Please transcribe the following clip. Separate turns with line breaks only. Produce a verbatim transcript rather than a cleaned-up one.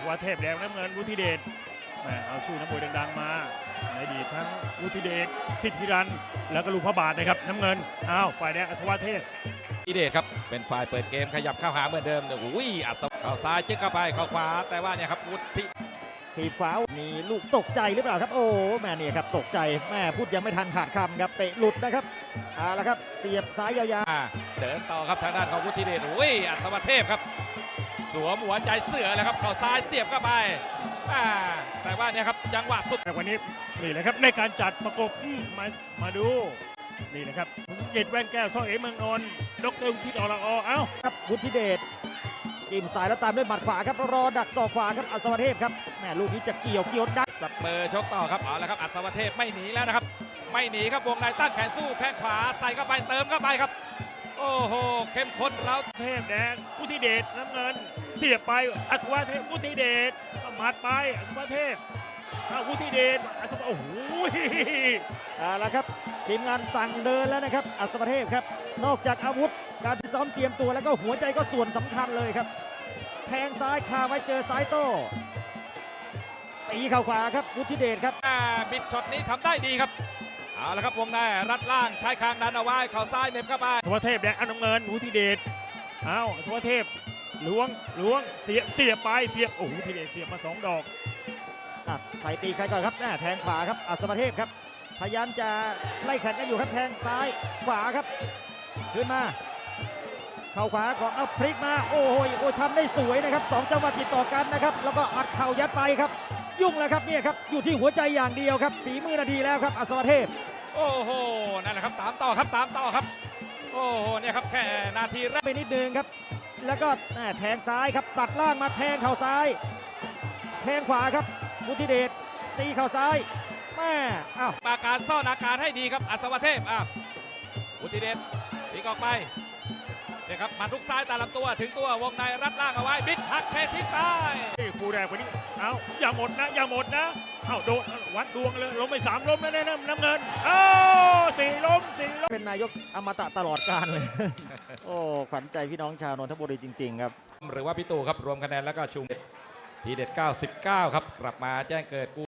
วัเทพแดงน้ำเงินวุฒิเดชแหมเอาชื่อนักมวยดังๆมาในอดีตทั้งวุฒิเดชสิทธิรันแล้วก็ลูกพระบาทนะครับน้ำเงินอ้าวฝ่ายแดงอัศวเทพ
อิเดชครับเป็นฝ่ายเปิดเกมขยับเข้าหาเหมือนเดิมแต่อุ้ยอัศวเข้าซ้ายจึ๊กเข้าไปเข้าขวาแต่ว่าเนี่ยครับวุฒิ
ทีบขวามีลูกตกใจหรือเปล่าครับโอ้แม่เนี่ยครับตกใจแม่พูดยังไม่ทันขาดคำครับเตะหลุดนะครับเอาละครับเสียบซ้ายยาวๆ
เดินต่อครับทางด้านของวุฒิเดชอุ้ยอัศวเทพครับสวมหัวใจเสือเลยครับเข้าซ้ายเสียบเข้าไปแต่ว่าเนี่ยครับจังหวะสุด
แต่วันนี้นี่แหละครับในการจัดประกบมามาดูนี่นะครับเจ็ดแว่นแก้วซ้อเอเมืองนนท์ดรวิชิตอรอเอ้า
ครับวุฒิเดชจิ้มสายแล้วตามด้วยหมัดขวาครับรอดักศอกขวาครับอัศวเทพครับแม่ลูกนี้จะเกี่ยวเกี่ยวได้
สับเปอร์ชกต่อครับเอาละครับอัศวเทพไม่หนีแล้วนะครับไม่หนีครับวงในตั้งแขนสู้แข้งขวาใส่เข้าไปเติมเข้าไปครับโอ้โหเข้มข้นแล้ว
เทพแดงวุฒิเดชน้ำเงินเสียบไปอัศวเทพวุฒิเดชหมัดไปอัศวเทพวุฒิเดชอัศวโอ้โห
เอาละครับทีมงานสั่งเดินแล้วนะครับอัศวเทพครับนอกจากอาวุธการที่ซ้อมเตรียมตัวแล้วก็หัวใจก็ส่วนสำคัญเลยครับแทงซ้ายคาไว้เจอซ้ายโต้ตีเข่าขวาครับวุฒิเดชครับ
บิดช็อตนี้ทำได้ดีครับเอาละครับวงในรัดล่างใช้คางดันเอาไว้เข่าซ้ายเน็บเข้าไป
อัศวเทพแดงอันน้ำเงินวุฒิเดชเอาอัศวเทพล้วงล้วงเสียบเสียบไปเสียบโอ้โหวุฒิเดชเสียบมาสองดอก
ใครตีใครก่อนครับแทงขวาครับอัศวเทพครับพยายามจะไล่แข่งกันอยู่ครับแทงซ้ายขวาครับขึ้นมาเข่าขวาของเอาพลิกมาโอ้โหโอ้ยทำได้สวยนะครับสองจังหวะติดต่อกันนะครับแล้วก็อัดเข่ายัดไปครับยุ่งแล้วครับเนี่ยครับอยู่ที่หัวใจอย่างเดียวครับฝีมือนาทีแล้วครับอัศวเทพ
โอ้โหนั่นแหละครับตามต่อครับตามต่อครับโอ้โหเนี่ยครับแค่นาทีแรก
ไปนิดนึงครับแล้วก็แทงซ้ายครับตัดล่างมาแทงเข่าซ้ายแทงขวาครับวุฒิเดชตีเข่าซ้ายแม่อ้าว
ปาการซ่อนอาการให้ดีครับอัศวเทพอ้าววุฒิเดชตีออกไปเนี่ยครับมาทุกซ้ายตามลำตัวถึงตัววงในรัดล่างเอาไว้บิดหักเททิ้งไป
คู่แรกวันนี้เอาอย่าหมดนะอย่าหมดนะเอาโดนวัดดวงเลยล้มไปสามล้มแล้วนะน้ำเงินเอาสี่ล้มสี่ล้ม
เป็นนายกอมตะตลอดกาลเลยโอ้ขวัญใจพี่น้องชาวนนทบุรีจริงๆครับ
หรือว่าพี่ตู่ครับรวมคะแนนแล้วก็ชุมทีเด็ดเก้าสิบเก้าครับกลับมาแจ้งเกิด